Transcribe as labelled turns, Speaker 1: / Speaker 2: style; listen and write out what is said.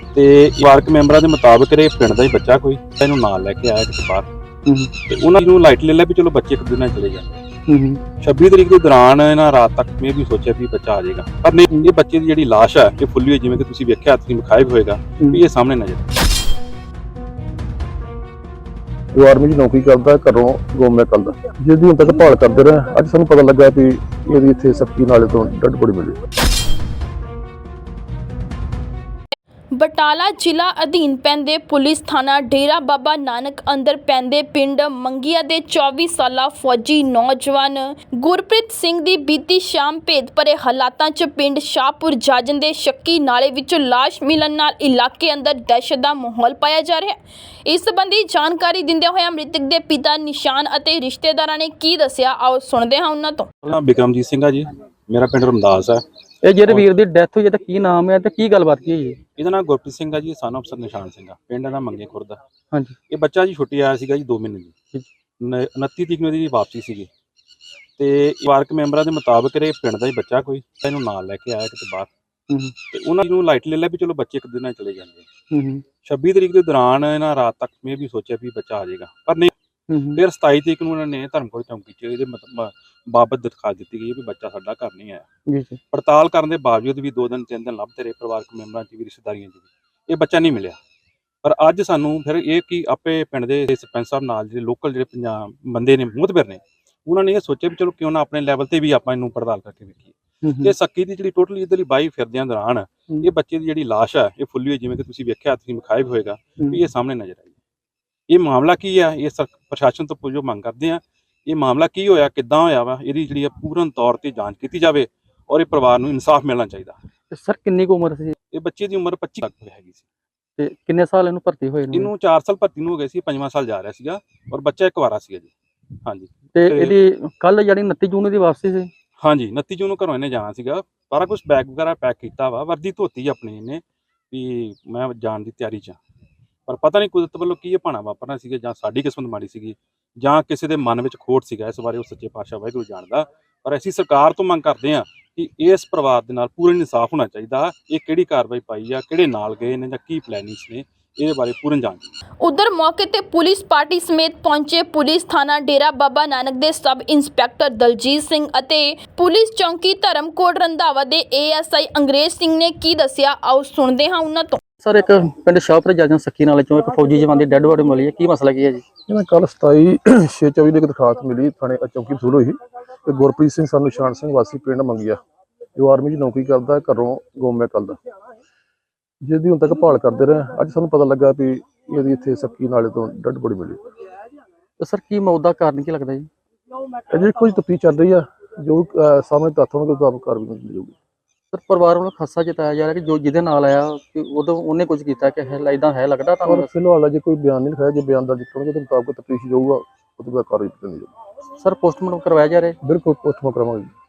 Speaker 1: ਤੇ ਪਰਿਵਾਰਕ ਮੈਂਬਰਾਂ ਦੇ ਮੁਤਾਬਕ ਇਹ ਪਿੰਡ ਦਾ ਹੀ ਬੱਚਾ ਕੋਈ ਇਹਨੂੰ ਨਾਲ ਲੈ ਕੇ ਆਇਆ ਕਿਤੇ ਬਾਹਰ ਤੇ ਉਹਨਾਂ ਨੂੰ ਲਾਈਟ ਲੈ ਲਿਆ ਵੀ ਚਲੋ ਬੱਚੇ ਇੱਕ ਦਿਨ ਨਾਲ ਚਲੇ ਜਾਂਦੇ 26 ਤਰੀਕ ਦੇ ਦੌਰਾਨ ਇਹਨਾਂ ਰਾਤ ਤੱਕ ਮੈਂ ਵੀ ਸੋਚਿਆ ਵੀ ਬੱਚਾ ਆ ਜਾਏਗਾ ਪਰ ਨਹੀਂ ਇਹ ਬੱਚੇ ਦੀ ਜਿਹੜੀ ਲਾਸ਼ ਹੈ ਇਹ ਫੁੱਲੀ ਹੋਈ ਜਿਵੇਂ ਕਿ ਤੁਸੀਂ ਵੇਖਿਆ ਤੁਸੀਂ ਵਿਖਾਇਆ ਵੀ ਹੋਏਗਾ ਵੀ ਇਹ ਸਾਹਮਣੇ ਨਜ਼ਰ
Speaker 2: ਜੋ ਆਰਮੀ 'ਚ ਨੌਕਰੀ ਕਰਦਾ ਘਰੋਂ ਗੁੰਮ ਹੈ ਕੱਲ੍ਹ ਦਾ ਜਿਹਦੀ ਹੁਣ ਤੱਕ ਭਾਲ ਕਰਦੇ ਰਹੇ ਅੱਜ ਸਾਨੂੰ ਪਤਾ ਲੱਗਾ ਵੀ ਇਹਦੀ ਇੱਥੇ ਸੱਕੀ ਨਾਲੇ ਤੋਂ ਡੈਡ ਬੋਡੀ ਮਿਲੀ।
Speaker 3: ਬਟਾਲਾ ਜ਼ਿਲ੍ਹਾ ਅਧੀਨ ਪੈਂਦੇ ਪੁਲਿਸ ਥਾਣਾ ਡੇਰਾ ਬਾਬਾ ਨਾਨਕ ਅੰਦਰ ਪੈਂਦੇ ਪਿੰਡ ਮੰਗੀਆਂ ਦੇ 24 ਸਾਲਾ ਫੌਜੀ ਨੌਜਵਾਨ ਗੁਰਪ੍ਰੀਤ ਸਿੰਘ ਦੀ ਬੀਤੀ ਸ਼ਾਮ ਭੇਦ ਭਰੇ ਹਾਲਾਤਾਂ 'ਚ ਪਿੰਡ ਸ਼ਾਹਪੁਰ ਜਾਜਨ ਦੇ ਸ਼ੱਕੀ ਨਾਲੇ ਵਿੱਚੋਂ ਲਾਸ਼ ਮਿਲਣ ਨਾਲ ਇਲਾਕੇ ਅੰਦਰ ਦਹਿਸ਼ਤ ਦਾ ਮਾਹੌਲ ਪਾਇਆ ਜਾ ਰਿਹਾ ਹੈ। ਇਸ ਸੰਬੰਧੀ ਜਾਣਕਾਰੀ ਦਿੰਦੇ ਹੋਏ ਮ੍ਰਿਤਕ ਦੇ ਪਿਤਾ ਨਿਸ਼ਾਨ ਅਤੇ ਰਿਸ਼ਤੇਦਾਰਾਂ ਨੇ ਕੀ ਦੱਸਿਆ, ਆਓ ਸੁਣਦੇ ਹਾਂ ਉਹਨਾਂ ਤੋਂ।
Speaker 1: ਬਿਕਰਮਜੀਤ ਸਿੰਘ ਆ ਜੀ, ਮੇਰਾ ਪਿੰਡ ਰਮਦਾਸ ਹੈ।
Speaker 4: ਇਹ ਜਿਹੜੇ ਵੀਰ ਦੀ ਡੈਥ ਹੋਈ ਹੈ ਤਾਂ ਕੀ ਨਾਮ ਹੈ ਤੇ ਕੀ ਗੱਲਬਾਤ ਕੀ ਹੋਈ ਹੈ?
Speaker 1: ਇਹਦਾ ਨਾਮ ਗੁਰਪ੍ਰੀਤ ਸਿੰਘ ਆ ਜੀ, ਸਨ ਅਫਸਰ ਨਿਸ਼ਾਨ ਸਿੰਘ ਆ, ਪਿੰਡ ਦਾ ਮੰਗੇ ਖੁਰਦ।
Speaker 4: ਹਾਂਜੀ,
Speaker 1: ਇਹ ਬੱਚਾ ਜੀ ਛੁੱਟੀ ਆਇਆ ਸੀਗਾ ਜੀ 2 ਮਹੀਨੇ ਦੀ 29 ਤਰੀਕ ਨੂੰ ਦੀ ਵਾਪਸੀ ਸੀਗੀ ਤੇ ਪਰਿਵਾਰਕ ਮੈਂਬਰਾਂ ਦੇ ਮੁਤਾਬਕ ਇਹ ਪਿੰਡ ਦਾ ਹੀ ਬੱਚਾ ਕੋਈ ਇਹਨੂੰ ਨਾਲ ਲੈ ਕੇ ਆਇਆ ਕਿਤੇ ਬਾਹਰ ਤੇ ਉਹਨਾਂ ਨੂੰ ਲਾਈਟ ਲੈ ਲਿਆ ਵੀ ਚਲੋ ਬੱਚੇ ਇੱਕ ਦਿਨ ਨਾਲ ਚਲੇ ਜਾਂਦੇ 26 ਤਰੀਕ ਦੇ ਦੌਰਾਨ ਇਹਨਾਂ ਰਾਤ ਤੱਕ ਮੈਂ ਵੀ ਸੋਚਿਆ ਵੀ ਬੱਚਾ ਆ ਜਾਏਗਾ ਪਰ ਨਹੀਂ ਫਿਰ 27 ਤਰੀਕ ਨੂੰ ਉਹਨਾਂ ਨੇ ਧਰਮਕੋਟ ਚੌਂਕੀ 'ਚ ਇਹਦੇ ਬਾਬਤ ਦਿਖਾ ਦਿੱਤੀ ਗਈ ਵੀ ਬੱਚਾ ਸਾਡਾ ਘਰ ਨਹੀਂ ਆਇਆ। ਪੜਤਾਲ ਕਰਨ ਦੇ ਬਾਵਜੂਦ ਵੀ 2 ਦਿਨ 3 ਦਿਨ ਲੱਭਦੇ ਰਹੇ ਪਰਿਵਾਰਕ ਮੈਂਬਰਾਂ 'ਚ ਵੀ ਰਿਸ਼ਤੇਦਾਰੀਆਂ 'ਚ ਵੀ ਇਹ ਬੱਚਾ ਨਹੀਂ ਮਿਲਿਆ। ਪਰ ਅੱਜ ਸਾਨੂੰ ਫਿਰ ਇਹ ਕਿ ਆਪੇ ਪਿੰਡ ਦੇ ਸਰਪੰਚ ਸਾਹਿਬ ਨਾਲ ਜਿਹੜੇ ਲੋਕਲ ਜਿਹੜੇ ਪੰਜਾਬ ਬੰਦੇ ਨੇ ਮੁਤਬਰ ਨੇ ਉਹਨਾਂ ਨੇ ਇਹ ਸੋਚਿਆ ਵੀ ਚਲੋ ਕਿਉਂ ਨਾ ਆਪਣੇ ਲੈਵਲ ਤੇ ਵੀ ਆਪਾਂ ਇਹਨੂੰ ਪੜਤਾਲ ਕਰਕੇ ਵੇਖੀਏ। ਤੇ ਸੱਕੀ ਦੀ ਜਿਹੜੀ ਟੋਟਲੀ ਇਹਦੇ ਲਈ ਬਾਈ ਫਿਰਦਿਆਂ ਦੌਰਾਨ ਇਹ ਬੱਚੇ ਦੀ ਜਿਹੜੀ ਲਾਸ਼ ਹੈ ਇਹ ਫੁੱਲੀ ਹੋਈ ਜਿਵੇਂ ਕਿ ਤੁਸੀਂ ਵੇਖਿਆ ਤੁਸੀਂ ਵਿਖਾਇਆ ਵੀ ਹੋਏਗਾ ਵੀ ਇਹ ਸਾਹਮਣੇ ਨਜ਼ਰ ਆਈ। ਇਹ ਮਾਮਲਾ ਕੀ ਆ, ਇਹ ਪ੍ਰਸ਼ਾਸਨ ਤੋਂ ਜੋ ਮੰਗ ਕਰਦੇ ਆ ਇਹ ਮਾਮਲਾ ਕੀ ਹੋਇਆ, ਕਿੱਦਾਂ ਹੋਇਆ ਵਾ, ਇਹਦੀ ਜਿਹੜੀ ਪੂਰਨ ਤੌਰ ਤੇ ਜਾਂਚ ਕੀਤੀ ਜਾਵੇ ਔਰ ਇਹ ਪਰਿਵਾਰ ਨੂੰ ਇਨਸਾਫ ਮਿਲਣਾ ਚਾਹੀਦਾ।
Speaker 4: ਸਰ ਕਿੰਨੀ ਕੁ ਉਮਰ ਸੀ?
Speaker 1: ਇਹ ਬੱਚੇ ਦੀ ਉਮਰ 25 ਤੱਕ ਹੈਗੀ ਸੀ
Speaker 4: ਤੇ ਕਿੰਨੇ ਸਾਲ ਇਹਨੂੰ ਭਰਤੀ ਹੋਏ ਨੂੰ?
Speaker 1: ਇਹਨੂੰ 4 ਸਾਲ ਭਰਤੀ ਨੂੰ ਹੋ ਗਏ ਸੀ, 5ਵਾਂ ਸਾਲ ਜਾ ਰਿਹਾ ਸੀਗਾ ਔਰ ਬੱਚਾ ਇੱਕ ਵਾਰਾ ਸੀਗਾ ਜੀ। ਹਾਂਜੀ,
Speaker 4: ਤੇ ਇਹਦੀ ਕੱਲ ਜਿਹੜੀ 29 ਜੂਨ ਦੀ ਵਾਪਸੀ ਸੀ?
Speaker 1: ਹਾਂਜੀ, 29 ਜੂਨ ਨੂੰ ਘਰੋਂ ਇਹਨੇ ਜਾਣਾ ਸੀਗਾ, ਸਾਰਾ ਕੁਝ ਬੈਗ ਵਗੈਰਾ ਪੈਕ ਕੀਤਾ ਵਾ, ਵਰਦੀ ਧੋਤੀ ਆਪਣੀ ਇਹਨੇ ਵੀ ਮੈਂ ਜਾਣ ਦੀ ਤਿਆਰੀ 'ਚ ਪਰ ਪਤਾ ਨਹੀਂ ਕੁਦਰਤ ਵੱਲੋਂ ਕੀ ਇਹ ਭਾਣਾ ਵਾਪਰਨਾ ਸੀਗਾ ਜਾਂ ਸਾਡੀ ਕਿਸਮਤ ਮਾੜੀ ਸੀਗੀ ਜਾਂ ਕਿਸੇ ਦੇ ਮਨ ਵਿੱਚ ਖੋਟ ਸੀਗਾ। ਇਸ ਬਾਰੇ ਉਹ ਸੱਚੇ ਪਾਤਸ਼ਾਹ ਵਾਹਿਗੁਰੂ ਜਾਣਦਾ। ਪਰ ਅਸੀਂ ਸਰਕਾਰ ਤੋਂ ਮੰਗ ਕਰਦੇ ਹਾਂ ਕਿ ਇਸ ਪਰਿਵਾਰ ਦੇ ਨਾਲ ਪੂਰਨ ਇਨਸਾਫ ਹੋਣਾ ਚਾਹੀਦਾ। ਇਹ ਕਿਹੜੀ ਕਾਰਵਾਈ ਪਾਈ ਆ, ਕਿਹੜੇ ਨਾਲ ਗਏ ਨੇ ਜਾਂ ਕੀ ਪਲੈਨਿੰਗਸ ਨੇ, ਇਹਦੇ ਬਾਰੇ ਪੂਰਨ ਜਾਂਚ।
Speaker 3: ਉਧਰ ਮੌਕੇ ਤੇ ਪੁਲਿਸ ਪਾਰਟੀ ਸਮੇਤ ਪਹੁੰਚੇ ਪੁਲਿਸ ਥਾਣਾ ਡੇਰਾ ਬਾਬਾ ਨਾਨਕ ਦੇ ਸਬ ਇੰਸਪੈਕਟਰ ਦਲਜੀਤ ਸਿੰਘ ਅਤੇ ਪੁਲਿਸ ਚੌਂਕੀ ਧਰਮਕੋਟ ਰੰਧਾਵਾ ਦੇ ASI ਅੰਗਰੇਜ਼ ਸਿੰਘ ਨੇ ਕੀ ਦੱਸਿਆ, ਆਓ ਸੁਣਦੇ ਹਾਂ ਉਹਨਾਂ ਤੋਂ।
Speaker 4: ਸਰ ਇੱਕ ਪਿੰਡ ਸ਼ਾਹਪੁਰ ਜਾਜਨ ਸੱਕੀ ਨਾਲੇ ਚੋਂ ਇੱਕ ਫੌਜੀ ਜਵਾਨ ਦੀ ਡੈੱਡ ਬੋਡੀ ਮਿਲੀ ਹੈ, ਕੀ ਮਸਲਾ ਕੀ ਹੈ ਜੀ?
Speaker 2: ਇਹਨਾਂ ਕੱਲ 27/6/24 ਦੀ ਦਰਖਾਸਤ ਮਿਲੀ ਥਾਣੇ ਚੌਂਕੀ ਵਸੂਲ ਹੋਈ ਤੇ ਗੁਰਪ੍ਰੀਤ ਸਿੰਘ ਸਾਨੂੰ ਨਿਸ਼ਾਨ ਸਿੰਘ ਵਾਸੀ ਪਿੰਡ ਮੰਗਿਆ ਜੋ ਆਰਮੀ 'ਚ ਨੌਕਰੀ ਕਰਦਾ ਘਰੋਂ ਗੁੰਮ ਹੈ ਕੱਲ੍ਹ ਦਾ ਜਿਹਦੀ ਹੁਣ ਤੱਕ ਭਾਲ ਕਰਦੇ ਰਹੇ ਅੱਜ ਸਾਨੂੰ ਪਤਾ ਲੱਗਾ ਵੀ ਇਹਦੀ ਇੱਥੇ ਸੱਕੀ ਨਾਲੇ ਤੋਂ ਡੈਡ ਬੋਡੀ ਮਿਲੀ।
Speaker 4: ਤੇ ਸਰ ਕੀ ਮੌਤ ਦਾ ਕਾਰਨ ਕੀ ਲੱਗਦਾ ਜੀ?
Speaker 2: ਅਜੇ ਕੁਝ ਤਫਤੀਸ਼ ਚੱਲ ਰਹੀ ਆ, ਜੋ ਸਾਹਮਣੇ ਤੱਥ ਹੋਣਗੇ ਉਹ ਆਪ ਕਾਰਵਾਈ ਮਿਲ ਜਾਊਗੀ।
Speaker 4: ਸਰ ਪਰਿਵਾਰ ਵੱਲੋਂ ਖਾਸਾ ਜਤਾਇਆ ਜਾ ਰਿਹਾ ਕਿ ਜੋ ਜਿਹਦੇ ਨਾਲ ਆਇਆ ਕਿ ਉਦੋਂ ਉਹਨੇ ਕੁਝ ਕੀਤਾ ਕਿ ਇਦਾਂ ਹੈ ਲੱਗਦਾ ਤੁਹਾਨੂੰ?
Speaker 2: ਫਿਲਹਾਲ ਅਜੇ ਕੋਈ ਬਿਆਨ ਨਹੀਂ ਲਿਖਾਇਆ, ਜੇ ਬਿਆਨ ਦਰਜ ਕਰਨਗੇ ਉਹਦੇ ਮੁਤਾਬਕ ਤਫਤੀਸ਼ ਜਾਊਗਾ, ਉਹਦੇ ਬਾਅਦ ਕਾਰਵਾਈ ਕੀਤੀ ਜਾਊਗੀ।
Speaker 4: ਸਰ ਪੋਸਟਮਾਰਟਮ ਕਰਵਾਇਆ ਜਾ ਰਿਹਾ?
Speaker 2: ਬਿਲਕੁਲ ਪੋਸਟਮਾਰਟਮ ਕਰਾਵਾਂਗੇ।